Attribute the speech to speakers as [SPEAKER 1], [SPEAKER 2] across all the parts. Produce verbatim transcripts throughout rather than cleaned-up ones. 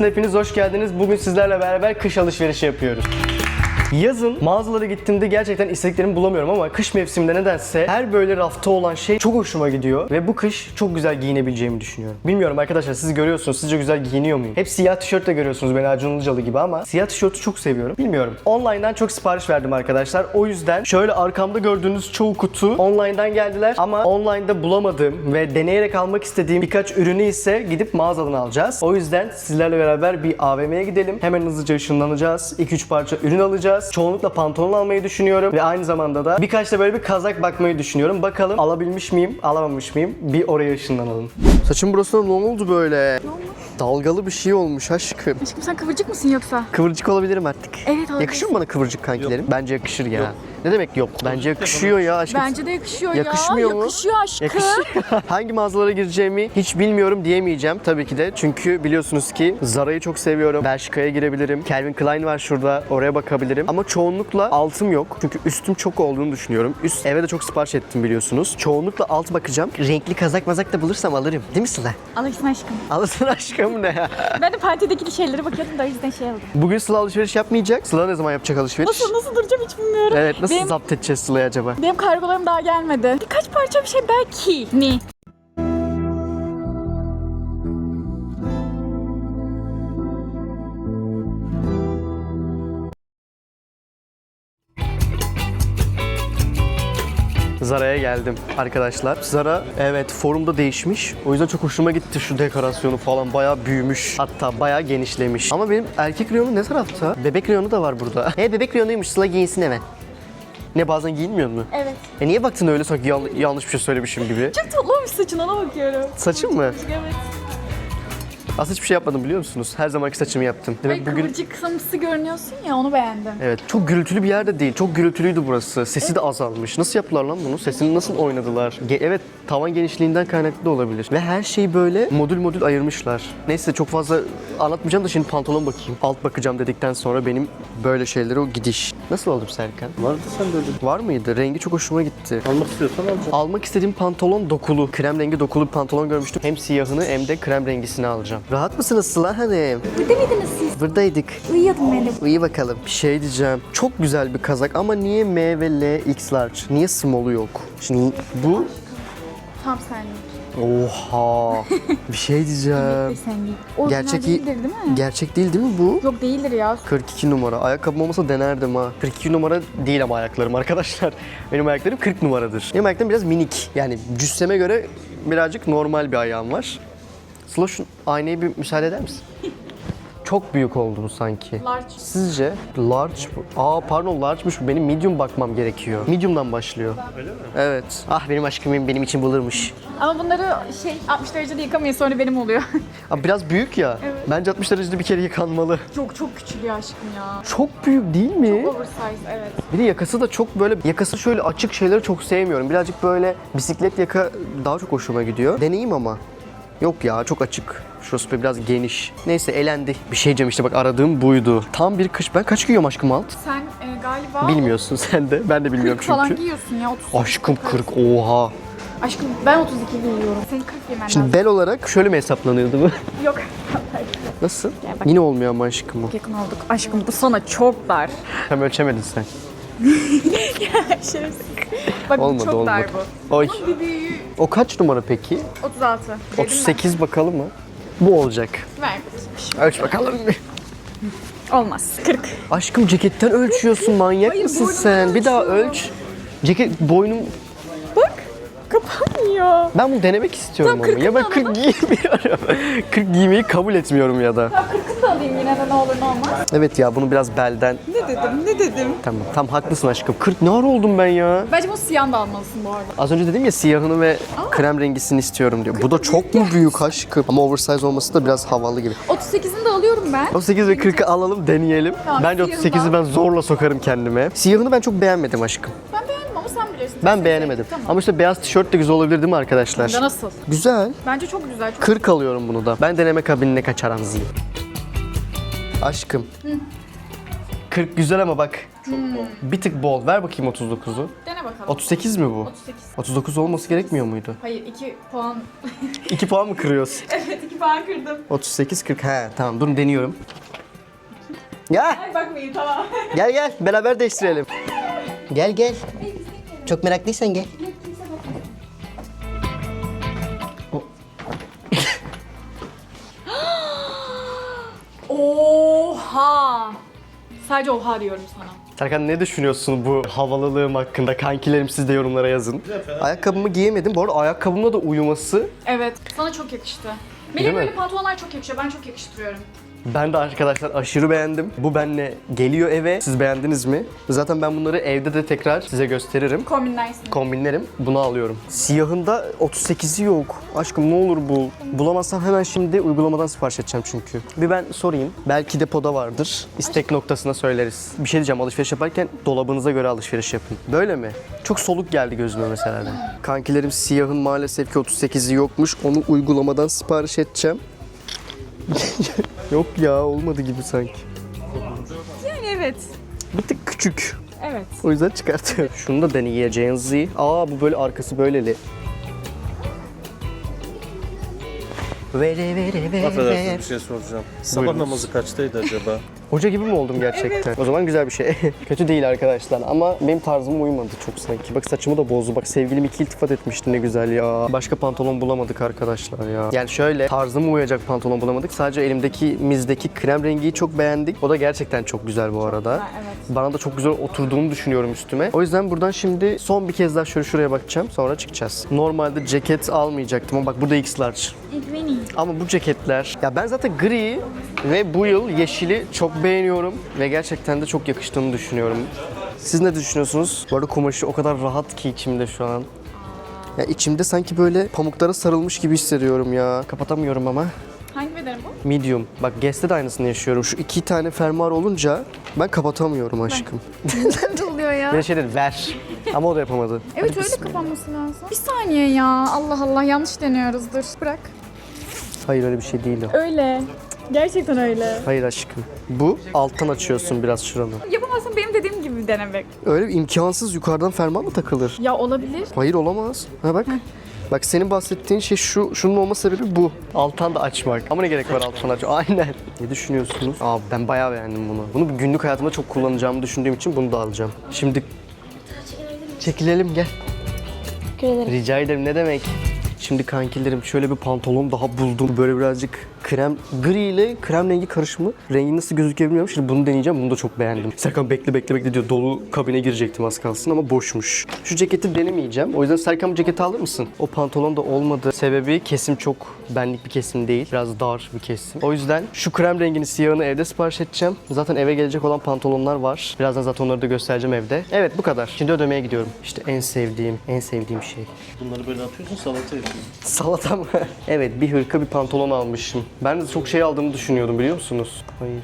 [SPEAKER 1] Videosuna hepiniz hoş geldiniz. Bugün sizlerle beraber kış alışverişi yapıyoruz. Yazın mağazalara gittiğimde gerçekten istediklerimi bulamıyorum ama kış mevsiminde nedense her böyle rafta olan şey çok hoşuma gidiyor ve bu kış çok güzel giyinebileceğimi düşünüyorum. Bilmiyorum arkadaşlar, siz görüyorsunuz, sizce güzel giyiniyor muyum? Hep siyah tişörtle görüyorsunuz beni, Acun Ilıcalı gibi, ama siyah tişörtü çok seviyorum. Bilmiyorum. Online'dan çok sipariş verdim arkadaşlar. O yüzden şöyle arkamda gördüğünüz çoğu kutu online'dan geldiler ama online'da bulamadığım ve deneyerek almak istediğim birkaç ürünü ise gidip mağazadan alacağız. O yüzden sizlerle beraber bir A V M'ye gidelim. Hemen hızlıca ışınlanacağız. iki üç parça ürün alacağız. Çoğunlukla pantolon almayı düşünüyorum ve aynı zamanda da birkaç da böyle bir kazak bakmayı düşünüyorum. Bakalım alabilmiş miyim, alamamış mıyım? Bir oraya ışınlanalım. Saçım burasına ne oldu böyle?
[SPEAKER 2] Ne olmuş?
[SPEAKER 1] Dalgalı bir şey olmuş aşkım.
[SPEAKER 2] Aşkım sen kıvırcık mısın yoksa?
[SPEAKER 1] Kıvırcık olabilirim artık.
[SPEAKER 2] Evet, olabilirsin.
[SPEAKER 1] Yakışır mı bana kıvırcık kankilerim? Bence yakışır ya. Yok. Ne demek yok? Bence yakışıyor ya aşkım.
[SPEAKER 2] Bence de yakışıyor
[SPEAKER 1] Yakışmıyor
[SPEAKER 2] ya.
[SPEAKER 1] mu?
[SPEAKER 2] Yakışıyor aşkım.
[SPEAKER 1] Yakışıyor. Hangi mağazalara gireceğimi hiç bilmiyorum diyemeyeceğim tabii ki de. Çünkü biliyorsunuz ki Zara'yı çok seviyorum. Bershka'ya girebilirim. Calvin Klein var şurada. Oraya bakabilirim. Ama çoğunlukla altım yok. Çünkü üstüm çok olduğunu düşünüyorum. Üst eve de çok sipariş ettim biliyorsunuz. Çoğunlukla alt bakacağım. Renkli kazak mazak da bulursam alırım. Değil mi Sıla?
[SPEAKER 2] Alırsın aşkım.
[SPEAKER 1] Alırsın aşkım ne ya?
[SPEAKER 2] Ben de partideki şeylere bakıyordum da o yüzden şey aldım.
[SPEAKER 1] Bugün Sıla alışveriş yapmayacak. Sıla ne zaman yapacak alışveriş?
[SPEAKER 2] Nasıl nasıl duracağım hiç bilmiyorum.
[SPEAKER 1] Evet, nasıl
[SPEAKER 2] benim,
[SPEAKER 1] zapt edeceğiz Sıla'yı acaba?
[SPEAKER 2] benim kargolarım daha gelmedi. Birkaç parça bir şey belki. Ne?
[SPEAKER 1] Zara'ya geldim arkadaşlar. Zara evet forumda değişmiş. O yüzden çok hoşuma gitti şu dekorasyonu falan. Bayağı büyümüş. Hatta bayağı genişlemiş. Ama benim erkek reyonu ne tarafta? Bebek reyonu da var burada. He, bebek reyonuymuş. Sıla giyinsin hemen. Ne, bazen giyinmiyor mu?
[SPEAKER 2] Evet.
[SPEAKER 1] E niye baktın öyle sanki yan- yanlış bir şey söylemişim gibi?
[SPEAKER 2] Çok tatlı olmuş saçın, ona bakıyorum.
[SPEAKER 1] Saçım mı?
[SPEAKER 2] Evet.
[SPEAKER 1] Aslında hiçbir şey yapmadım biliyor musunuz? Her zamanki saçımı yaptım.
[SPEAKER 2] Ay,
[SPEAKER 1] Demek bugün...
[SPEAKER 2] kıvırcık kısımsı görünüyorsun ya, onu beğendim.
[SPEAKER 1] Evet, çok gürültülü bir yerde değil. Çok gürültülüydü burası. Sesi de azalmış. Nasıl yaptılar lan bunu? Sesini nasıl oynadılar? Ge- evet, tavan genişliğinden kaynaklı da olabilir. Ve her şeyi böyle modül modül ayırmışlar. Neyse, çok fazla anlatmayacağım da şimdi pantolon bakayım. Alt bakacağım dedikten sonra benim böyle şeylere o gidiş. Nasıl oldum Serkan?
[SPEAKER 3] Vardı sen de öyle.
[SPEAKER 1] Var mıydı? Rengi çok hoşuma gitti.
[SPEAKER 3] Almak istiyorsan alacaksın.
[SPEAKER 1] Almak istediğim pantolon dokulu. Krem rengi dokulu bir pantolon görmüştüm. Hem siyahını hem de krem rengisini alacağım. Rahat mısınız Sıla hanım?
[SPEAKER 2] Burada mıydınız siz?
[SPEAKER 1] Buradaydık.
[SPEAKER 2] Uyuyordum ben de.
[SPEAKER 1] İyi bakalım. Bir şey diyeceğim. Çok güzel bir kazak ama niye M ve L X large? Niye small'u yok? Şimdi bu...
[SPEAKER 2] Tam senlik.
[SPEAKER 1] Oha! Bir şey diyeceğim.
[SPEAKER 2] Sen giy. Orijinal
[SPEAKER 1] Gerçek
[SPEAKER 2] değildir değil mi?
[SPEAKER 1] Gerçek değil değil mi bu?
[SPEAKER 2] Yok değildir ya.
[SPEAKER 1] kırk iki numara. Ayakkabım olmasa denerdim ha. kırk iki numara değil ama ayaklarım arkadaşlar. Benim ayaklarım kırk numaradır. Benim ayaklarım biraz minik. Yani cüsseme göre birazcık normal bir ayağım var. Sıla, şu aynayı bir müsaade eder misin? Çok büyük oldu bu sanki.
[SPEAKER 2] Large.
[SPEAKER 1] Sizce? Large bu. Aa pardon, large'mış bu. Benim medium bakmam gerekiyor. Medium'dan başlıyor.
[SPEAKER 3] Öyle mi?
[SPEAKER 1] Evet. Ah, benim aşkım benim için bulurmuş.
[SPEAKER 2] Ama bunları şey altmış derecede yıkamayın, sonra benim oluyor.
[SPEAKER 1] Abi biraz büyük ya.
[SPEAKER 2] Evet.
[SPEAKER 1] Bence altmış derecede bir kere yıkanmalı.
[SPEAKER 2] Çok çok küçülüyor aşkım ya.
[SPEAKER 1] Çok büyük değil mi?
[SPEAKER 2] Oversize, evet.
[SPEAKER 1] Bir de yakası da çok böyle, yakası şöyle açık şeyleri çok sevmiyorum. Birazcık böyle bisiklet yaka daha çok hoşuma gidiyor. Deneyeyim ama. Yok ya, çok açık. Şurası biraz geniş. Neyse, elendi. Bir şey diyeceğim işte, bak aradığım buydu. Tam bir kış. Ben kaç giyiyorum aşkım alt?
[SPEAKER 2] Sen e, galiba
[SPEAKER 1] Bilmiyorsun sen de. Ben de bilmiyorum
[SPEAKER 2] kırk
[SPEAKER 1] çünkü.
[SPEAKER 2] falan giyiyorsun ya, otuz.
[SPEAKER 1] Aşkım kırk, oha.
[SPEAKER 2] Aşkım ben otuz iki giyiyorum. Senin kırk giymen
[SPEAKER 1] Şimdi
[SPEAKER 2] lazım.
[SPEAKER 1] bel olarak şöyle mi hesaplanıyordu bu?
[SPEAKER 2] Yok.
[SPEAKER 1] Nasıl?
[SPEAKER 2] Gel bak.
[SPEAKER 1] Yine olmuyor ama aşkım bu.
[SPEAKER 2] Yakın olduk. Aşkım bu sana çok dar.
[SPEAKER 1] Hem ölçemedin sen.
[SPEAKER 2] Şerefsiz. Bak
[SPEAKER 1] Olmadı,
[SPEAKER 2] bu çok
[SPEAKER 1] olmadı.
[SPEAKER 2] dar bu.
[SPEAKER 1] Oy.
[SPEAKER 2] Bunun bir büyüğü
[SPEAKER 1] O kaç numara peki?
[SPEAKER 2] otuz altı.
[SPEAKER 1] otuz sekiz bakalım mı? Bu olacak.
[SPEAKER 2] Ver.
[SPEAKER 1] Ölç bakalım.
[SPEAKER 2] Olmaz. kırk.
[SPEAKER 1] Aşkım ceketten ölçüyorsun, manyak
[SPEAKER 2] Hayır,
[SPEAKER 1] mısın
[SPEAKER 2] boynumdan
[SPEAKER 1] sen? Bir daha
[SPEAKER 2] ölçüyorum.
[SPEAKER 1] ölç. Ceket boynum...
[SPEAKER 2] Bak. Kapanmıyor.
[SPEAKER 1] Ben bunu denemek istiyorum
[SPEAKER 2] Tamam,
[SPEAKER 1] ama. Ya ben
[SPEAKER 2] kırkını
[SPEAKER 1] kırk giymiyorum. kırk giymeyi kabul etmiyorum ya da.
[SPEAKER 2] Ya kırkını da alayım yine de, ne olur ne olmaz.
[SPEAKER 1] Evet ya, bunu biraz belden...
[SPEAKER 2] Ne dedim ne dedim.
[SPEAKER 1] Tamam, tam haklısın aşkım. kırk ne ara oldum ben ya?
[SPEAKER 2] Bence bu siyahını da almalısın bu arada.
[SPEAKER 1] Az önce dedim ya, siyahını ve krem rengisini istiyorum diyor. Bu da çok mu büyük aşkım? Ama oversize olması da biraz havalı gibi.
[SPEAKER 2] otuz sekizini de alıyorum ben.
[SPEAKER 1] otuz sekiz ve kırkı alalım, deneyelim.
[SPEAKER 2] Tamam,
[SPEAKER 1] Bence otuz sekizi ben zorla sokarım kendime. Siyahını ben çok beğenmedim aşkım.
[SPEAKER 2] Ben beğendim ama sen bilirsin.
[SPEAKER 1] Ben beğenemedim.
[SPEAKER 2] Tamam.
[SPEAKER 1] Ama işte beyaz tişört de güzel olabilir değil mi arkadaşlar?
[SPEAKER 2] Ya nasıl?
[SPEAKER 1] Güzel.
[SPEAKER 2] Bence çok güzel. Çok...
[SPEAKER 1] kırk alıyorum bunu da. Ben deneme kabinine kaçaram zil. Aşkım. kırk güzel ama bak.
[SPEAKER 3] Çok bol.
[SPEAKER 1] Bir tık bol. Ver bakayım otuz dokuzu.
[SPEAKER 2] Dene dene bakalım.
[SPEAKER 1] otuz sekiz mi bu?
[SPEAKER 2] otuz sekiz.
[SPEAKER 1] otuz dokuz olması gerekmiyor muydu?
[SPEAKER 2] Hayır iki puan.
[SPEAKER 1] iki puan mı kırıyorsun?
[SPEAKER 2] Evet iki puan kırdım.
[SPEAKER 1] otuz sekiz kırk. He tamam durun deniyorum. Ya
[SPEAKER 2] Ay bakmayın tamam.
[SPEAKER 1] gel gel beraber değiştirelim. Gel gel. Çok meraklıysan gel.
[SPEAKER 2] Oha. Sadece oha diyorum sana.
[SPEAKER 1] Serkan ne düşünüyorsun bu havalılığım hakkında? Kankilerim siz de yorumlara yazın. Ayakkabımı giyemedim. Bu arada ayakkabımla da uyuması.
[SPEAKER 2] Evet. Sana çok yakıştı.
[SPEAKER 1] Değil
[SPEAKER 2] Benim
[SPEAKER 1] mi?
[SPEAKER 2] böyle pantolonlar çok yakışıyor. Ben çok yakıştırıyorum.
[SPEAKER 1] Ben de arkadaşlar aşırı beğendim. Bu benimle geliyor eve. Siz beğendiniz mi? Zaten ben bunları evde de tekrar size gösteririm.
[SPEAKER 2] Kombinlersin.
[SPEAKER 1] Kombinlerim. Bunu alıyorum. Siyahında otuz sekizi yok. Aşkım ne olur bul. Bulamazsam hemen şimdi uygulamadan sipariş edeceğim çünkü. Bir ben sorayım. Belki depoda vardır. İstek noktasına söyleriz. Bir şey diyeceğim, alışveriş yaparken dolabınıza göre alışveriş yapın. Böyle mi? Çok soluk geldi gözüme mesela de. Kankilerim siyahın maalesef ki otuz sekizi yokmuş. Onu uygulamadan sipariş edeceğim. Yok ya, olmadı gibi sanki.
[SPEAKER 2] Yani evet.
[SPEAKER 1] Bir tık küçük.
[SPEAKER 2] Evet.
[SPEAKER 1] O yüzden çıkartıyorum. Şunu da deneyeceğiz. Aa bu böyle arkası böyleli. Vere vere vere.
[SPEAKER 3] Affedersiniz bir şey soracağım. Sabah
[SPEAKER 1] Buyurunuz.
[SPEAKER 3] namazı kaçtaydı acaba?
[SPEAKER 1] Hoca gibi mi oldum gerçekten? O zaman güzel bir şey. Kötü değil arkadaşlar ama benim tarzıma uymadı çok sanki. Bak saçımı da bozdu. Bak sevgilim iki iltifat etmişti, ne güzel ya. Başka pantolon bulamadık arkadaşlar ya. Yani şöyle tarzıma uyacak pantolon bulamadık. Sadece elimdeki mizdeki krem rengiyi çok beğendik. O da gerçekten çok güzel bu arada.
[SPEAKER 2] Ha, evet.
[SPEAKER 1] Bana da çok güzel oturduğunu düşünüyorum üstüme. O yüzden buradan şimdi son bir kez daha şöyle şuraya bakacağım. Sonra çıkacağız. Normalde ceket almayacaktım ama bak burada X large.
[SPEAKER 2] İlk
[SPEAKER 1] Ama bu ceketler, ya ben zaten gri ve bu yıl yeşili çok beğeniyorum ve gerçekten de çok yakıştığını düşünüyorum. Siz ne düşünüyorsunuz? Bu arada kumaşı o kadar rahat ki içimde şu an. Ya içimde sanki böyle pamuklara sarılmış gibi hissediyorum ya. Kapatamıyorum ama.
[SPEAKER 2] Hangi beden bu?
[SPEAKER 1] Medium. Bak Guess'te de aynısını yaşıyorum. Şu iki tane fermuar olunca ben kapatamıyorum aşkım.
[SPEAKER 2] Ne oluyor ya?
[SPEAKER 1] Bir şey dedi ver. Ama o da yapamadı.
[SPEAKER 2] Evet
[SPEAKER 1] Hadi
[SPEAKER 2] öyle
[SPEAKER 1] bismillah.
[SPEAKER 2] kapanması lazım. Bir saniye ya. Allah Allah yanlış deniyoruzdur. Bırak.
[SPEAKER 1] Hayır öyle bir şey değil o.
[SPEAKER 2] Öyle. Gerçekten öyle.
[SPEAKER 1] Hayır aşkım. Bu alttan açıyorsun biraz şuranı.
[SPEAKER 2] Yapamazsın benim dediğim gibi denemek.
[SPEAKER 1] Öyle bir imkansız, yukarıdan fermuar mı takılır?
[SPEAKER 2] Ya olabilir.
[SPEAKER 1] Hayır olamaz. Ha bak. Bak senin bahsettiğin şey şu, şunun olma sebebi bu. Alttan da açmak. Ama ne gerek var alttan aç? Aynen. Ne düşünüyorsunuz? Aa ben bayağı beğendim bunu. Bunu bir günlük hayatımda çok kullanacağımı düşündüğüm için bunu da alacağım. Şimdi çekilelim gel. Rica ederim, ne demek? Şimdi kankilerim şöyle bir pantolon daha buldum. Böyle birazcık krem, gri ile krem rengi karışımı. Rengi nasıl gözüküyor bilmiyorum. Şimdi bunu deneyeceğim. Bunu da çok beğendim. Serkan bekle bekle bekle diyor. Dolu kabine girecektim az kalsın ama boşmuş. Şu ceketi denemeyeceğim. O yüzden Serkan bu ceketi alır mısın? O pantolon da olmadı. Sebebi kesim çok benlik bir kesim değil. Biraz dar bir kesim. O yüzden şu krem rengini, siyahını evde sipariş edeceğim. Zaten eve gelecek olan pantolonlar var. Birazdan zaten onları da göstereceğim evde. Evet bu kadar. Şimdi ödemeye gidiyorum. İşte en sevdiğim, en sevdiğim şey.
[SPEAKER 3] Bunları böyle atıyorsun, salata yapıyorsun.
[SPEAKER 1] Salata mı? Evet, bir hırka bir pantolon almışım. Ben de çok şey aldığımı düşünüyordum, biliyor musunuz? Hayır.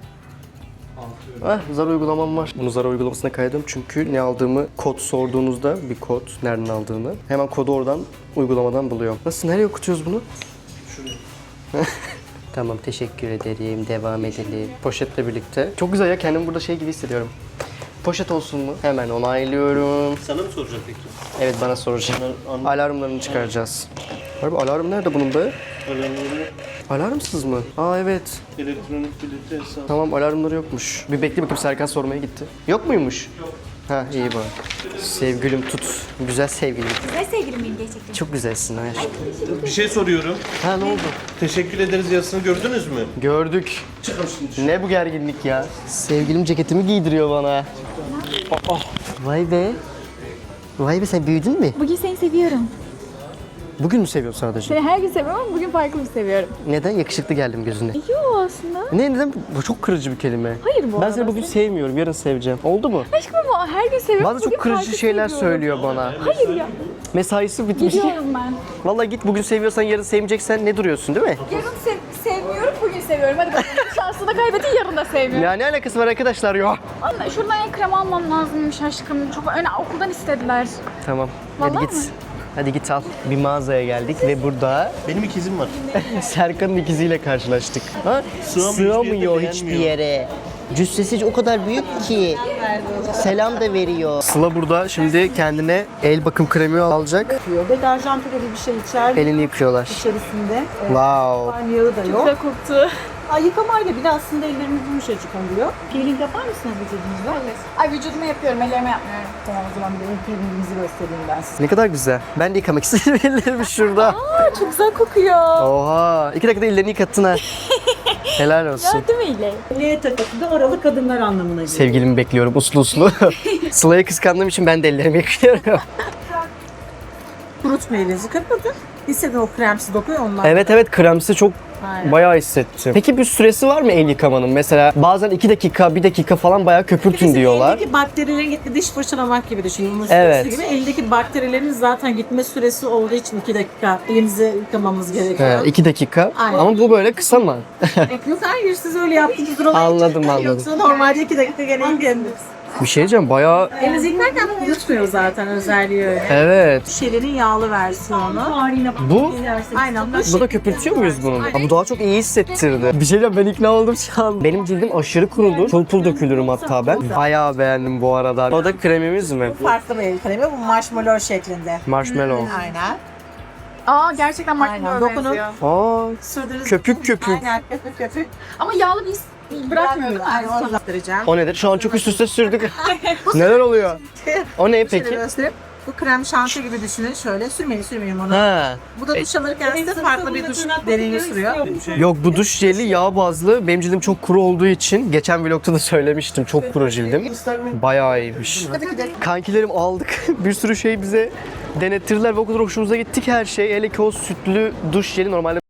[SPEAKER 1] Ah, Zara uygulamam var. Bunu Zara uygulamasına kaydım çünkü ne aldığımı kod sorduğunuzda bir kod, nereden aldığını hemen kodu oradan uygulamadan buluyorum. Nasıl, nereye okutuyoruz bunu?
[SPEAKER 3] Şuraya.
[SPEAKER 1] Tamam, teşekkür ederim. Devam edelim. Poşetle birlikte. Çok güzel ya, kendimi burada şey gibi hissediyorum. Poşet olsun mu? Hemen onaylıyorum.
[SPEAKER 3] Sana mı soracak peki?
[SPEAKER 1] Evet, bana soracağım.
[SPEAKER 3] Bunlar an-
[SPEAKER 1] Alarmlarını çıkaracağız. Harbi alarm nerede bunun be?
[SPEAKER 3] Alarmları,
[SPEAKER 1] Alarmsız mı? Aa evet.
[SPEAKER 3] elektronik bileti hesabı.
[SPEAKER 1] Tamam, alarmları yokmuş. Bir bekle bakayım, Serkan sormaya gitti. Yok muymuş? Yok. Ha iyi bak. Sevgilim tut. Güzel sevgilim.
[SPEAKER 2] Güzel sevgilim miyim gerçekten?
[SPEAKER 1] Çok güzelsin ha aşkım.
[SPEAKER 3] Bir şey soruyorum.
[SPEAKER 1] Ha ne oldu?
[SPEAKER 3] Teşekkür ederiz yazısını gördünüz mü?
[SPEAKER 1] Gördük. Ne bu gerginlik ya? Sevgilim ceketimi giydiriyor bana. Aa, vay be. Vay be, sen büyüdün mü?
[SPEAKER 2] Bugün seni seviyorum.
[SPEAKER 1] Bugün mü seviyorsun sadece?
[SPEAKER 2] Seni her gün seviyorum ama bugün farklı bir seviyorum.
[SPEAKER 1] Neden? Yakışıklı geldim gözüne.
[SPEAKER 2] Yok aslında.
[SPEAKER 1] Ne, neden? Bu çok kırıcı bir kelime.
[SPEAKER 2] Hayır bu
[SPEAKER 1] Ben
[SPEAKER 2] arada.
[SPEAKER 1] seni bugün sevmiyorum, yarın seveceğim. Oldu mu?
[SPEAKER 2] Aşkım ama her gün seviyorum.
[SPEAKER 1] Bazı çok
[SPEAKER 2] bugün
[SPEAKER 1] kırıcı
[SPEAKER 2] farklı
[SPEAKER 1] şeyler
[SPEAKER 2] seviyorum.
[SPEAKER 1] söylüyor bana.
[SPEAKER 2] Hayır ya.
[SPEAKER 1] Mesaisi bitmiş.
[SPEAKER 2] Gidiyorum ben.
[SPEAKER 1] Vallahi git, bugün seviyorsan yarın sevmeyeceksen ne duruyorsun, değil mi?
[SPEAKER 2] Yarın sev- sevmiyorum, bugün seviyorum. Hadi bakalım. Şansını kaybettin, yarın da sevmiyorum.
[SPEAKER 1] Ya ne alakası var arkadaşlar ya?
[SPEAKER 2] Anne, şuradan el krem almam lazımmış aşkım. Çok öyle okuldan istediler.
[SPEAKER 1] Tamam. Hadi
[SPEAKER 2] Vallahi
[SPEAKER 1] git.
[SPEAKER 2] mi?
[SPEAKER 1] Hadi git al. Bir mağazaya geldik ve burada
[SPEAKER 3] Benim ikizim var.
[SPEAKER 1] Serkan'ın ikiziyle karşılaştık. Ha?
[SPEAKER 3] Sığamıyor, hiçbir
[SPEAKER 1] Sığamıyor
[SPEAKER 3] yerde
[SPEAKER 1] hiçbir
[SPEAKER 3] beğenmiyor.
[SPEAKER 1] yere.
[SPEAKER 4] Cüssesi o kadar büyük ki. Selam da veriyor.
[SPEAKER 1] Sıla burada şimdi kendine el bakım kremi alacak.
[SPEAKER 5] yapıyor. Deterjan türevi bir şey içer
[SPEAKER 1] Elini yıkıyorlar.
[SPEAKER 5] içerisinde. E,
[SPEAKER 1] Wow.
[SPEAKER 5] Van yağı da yok.
[SPEAKER 2] Güzel koktu.
[SPEAKER 5] Ay, yıkamayla bile aslında ellerimiz yumuşacık oluyor. Peeling yapar mısınız vücudunuzda?
[SPEAKER 2] Ay vücuduma yapıyorum, ellerime yapmıyorum.
[SPEAKER 5] Tamam, o zaman bir de peelingimizi göstereyim ben size.
[SPEAKER 1] Ne kadar güzel. Ben de yıkamak istedim ellerimi şurada.
[SPEAKER 2] Aa, çok güzel kokuyor.
[SPEAKER 1] Oha. İki dakikada ellerini yıkattın ha. Helal olsun.
[SPEAKER 2] Değil mi İley?
[SPEAKER 5] L takısı da oralı kadınlar anlamına geliyor.
[SPEAKER 1] Sevgilimi bekliyorum uslu uslu. Sıla'yı kıskandığım için ben de ellerimi yıkıyorum.
[SPEAKER 5] Kurutma elinizi kapatın. Hisseden o kremsi dokuyor onlar.
[SPEAKER 1] Evet evet kremsi çok
[SPEAKER 5] Aynen.
[SPEAKER 1] bayağı hissettim. Peki bir süresi var mı el yıkamanın? Mesela bazen iki dakika, bir dakika falan bayağı köpürtün
[SPEAKER 5] Bizim
[SPEAKER 1] diyorlar.
[SPEAKER 5] Eldeki bakterilerin gittiği diş fırçalamak gibi düşünün. Bunun
[SPEAKER 1] Evet.
[SPEAKER 5] süresi gibi. Eldeki bakterilerin zaten gitme süresi olduğu için iki dakika elimizi yıkamamız gerekiyor.
[SPEAKER 1] He, iki dakika.
[SPEAKER 5] Aynen.
[SPEAKER 1] Ama bu böyle kısa mı?
[SPEAKER 5] Yok, hayır, siz öyle yaptınız. Durun.
[SPEAKER 1] Anladım, anladım.
[SPEAKER 5] Yoksa normalde iki dakika gene yıkanırız.
[SPEAKER 1] Bir şey diyeceğim bayağı...
[SPEAKER 5] Elinizi yıkarken yutmuyor zaten, özelliği öyle.
[SPEAKER 1] Evet.
[SPEAKER 5] Şişelerin yağlı versiyonu.
[SPEAKER 1] Bu?
[SPEAKER 5] Aynen.
[SPEAKER 1] Bu da köpürtüyor muyuz bunu? Ha, bu daha çok iyi hissettirdi. Bir şey diyeceğim ben ikna oldum şu an. Benim cildim aşırı kurudu. Pul pul dökülürüm hatta ben. Bayağı beğendim bu arada. O da kremimiz mi?
[SPEAKER 5] Farklı bir el kremi. Bu marshmallow şeklinde.
[SPEAKER 1] Marshmallow.
[SPEAKER 5] Aynen.
[SPEAKER 2] Aa gerçekten
[SPEAKER 5] Aynen.
[SPEAKER 2] marshmallow
[SPEAKER 5] Dokunup
[SPEAKER 2] benziyor.
[SPEAKER 1] Aa,
[SPEAKER 5] sürdüğünüz
[SPEAKER 1] köpük köpük.
[SPEAKER 5] Aynen, köpük köpük.
[SPEAKER 2] Ama yağlı bir his bırakmıyor değil mi?
[SPEAKER 5] Aynen, onu göstereceğim.
[SPEAKER 1] O nedir? Şu an çok üst üste sürdük. Neler oluyor? O ne
[SPEAKER 5] Şöyle
[SPEAKER 1] peki?
[SPEAKER 5] göstereyim. Bu krem şanti gibi düşünün. Şöyle sürmeyin sürmeyin onu.
[SPEAKER 1] Ha.
[SPEAKER 5] Bu da duş alırken size farklı bir duş deneyimi sürüyor.
[SPEAKER 1] Yok bu duş jeli yağ bazlı. Benim cildim çok kuru olduğu için geçen vlogta da söylemiştim. Çok kuru cildim. Bayağı iyiymiş. Kankilerim aldık. Bir sürü şey bize denettirdiler ve o kadar hoşumuza gitti ki her şey. Hele ki o sütlü duş jeli normalde